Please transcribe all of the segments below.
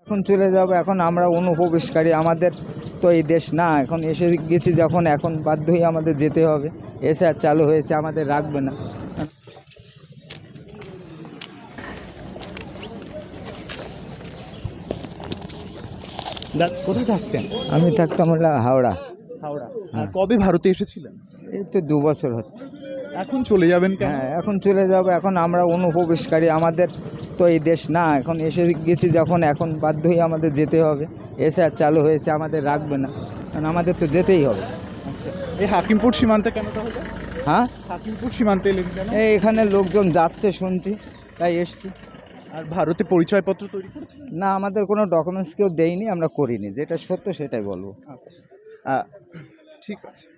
এখন চলে যাব, এখন আমরা অনুপ্রবেশকারী, আমাদের তো এই দেশ না, এখন এসে গেছি যখন, এখন বাধ্য হয়ে আমাদের যেতে হবে। এসে আর চালু হয়েছে, আমাদের রাখবে না। কোথায় থাকতেন? আমি থাকতাম হলো হাওড়া। হাওড়া। কবে ভারতে এসেছিলেন? এই তো 2 বছর হচ্ছে। এখন চলে যাবেন কেন? হ্যাঁ, এখন চলে যাব, এখন আমরা অনুপ্রবেশকারী, আমাদের তো এই দেশ না, এখন এসে গেছি যখন, এখন বাধ্য হয়ে আমাদের যেতে হবে। এসে আর চালু হয়েছে, আমাদের রাখবে না, কারণ আমাদের তো যেতেই হবে। আচ্ছা, এই হাকিমপুর সীমান্তে কেন তাহলে? হ্যাঁ, হাকিমপুর সীমান্তে এলেন কেন? এখানে লোকজন যাচ্ছে শুনছি, তাই এসছি। আর ভারতে পরিচয়পত্র তৈরি করেছেন? না, আমাদের কোনো ডকুমেন্টস কেউ দেয়নি, আমরা করিনি, যেটা সত্য সেটাই বলবো। ঠিক আছে।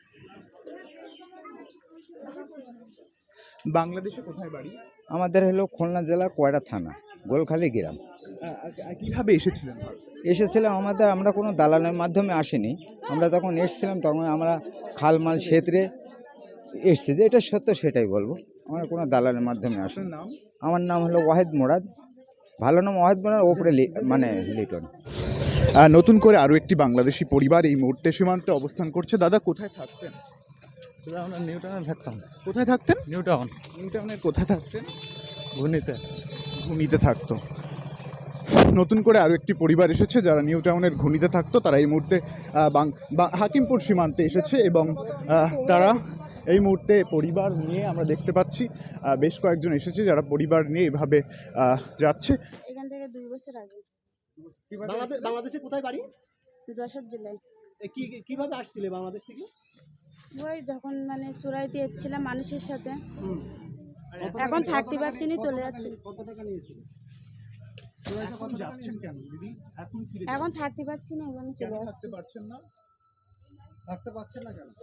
বাংলাদেশে কোথায় বাড়ি? আমাদের হলো খুলনা জেলা কয়রা থানা, গোলখালি গ্রাম। কিভাবে এসেছিলেন ভারতে? এসেছিলাম আমরা কোনো দালালের মাধ্যমে আসিনি। আমরা যখন এসেছিলাম তখন আমরা খালমাল সেতরে এসছি, যে এটা সত্য সেটাই বলবো। আমরা কোনো দালালের মাধ্যমে আসি। আপনার নাম? আমার নাম হলো ওয়াহিদ মোরাদ, ভালো নাম ওয়াহিদ মোরাদ, ওপরে মানে লিটন। নতুন করে আরও একটি বাংলাদেশি পরিবার এই মুহূর্তে সীমান্তে অবস্থান করছে। দাদা, কোথায় থাকতেন? আমরা নিউ টাউনে থাকতাম। কোথায় থাকতেন? নিউ টাউন নিউ টাউনের কোথায় থাকতেন? ঘুনিতে। ঘুনিতে থাকতো। নতুন করে আরও একটি পরিবার এসেছে যারা নিউ টাউনের ঘুনিতে থাকতো। তারা এই মুহূর্তে হাকিমপুর সীমান্তে এসেছে এবং তারা এই মুহূর্তে পরিবার নিয়ে আমরা দেখতে পাচ্ছি বেশ কয়েকজন এসেছে যারা পরিবার নিয়ে এভাবে যাচ্ছে। এখান থেকে 2 বছর আগে। বাংলাদেশে কোথায় বাড়ি? যশোর জেলায়। কিভাবে আসছিলে বাংলাদেশ থেকে? ওই যখন মানে চোরাইতে এসেছিলাম মানুষের সাথে, এখন থাকতে পারছি না, চলে যাচ্ছি। কত টাকা নিয়েছিল? যাচ্ছেন কেন দিদি? এখন ফিরে এখন থাকতে পারছি না, এখন চলে যাচ্ছি। থাকতে পারছেন না? থাকতে পারছেন না কেন?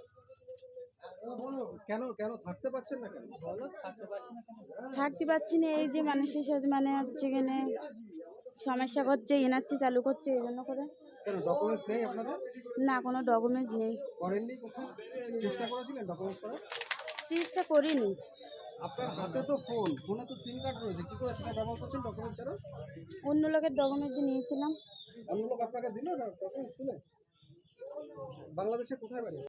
কেন থাকতে পারছেন না কেন? থাকতে পারছি না, এই যে মানুষের সাথে মানে হচ্ছে এখানে সমস্যা করছে, এনআরসি চালু করছে, এই জন্য করে। কেন ডকুমেন্টস নেই আপনাদের? না, কোনো ডকুমেন্টস নেই। করেননি কোথাও? চেষ্টা করেছিলেন ডকুমেন্টস করার? চেষ্টা করিনি। আপনার হাতে তো ফোনে তো সিম কার্ড রয়েছে, কি করে সেটা ব্যবহার করছেন ডকুমেন্টস ছাড়া? অন্য লোকের ডকুমেন্টস নিয়েছিলাম। অন্য লোক আপনাকে দিল না ডকুমেন্টস তুলে? বাংলাদেশে কোথায় বাড়ি?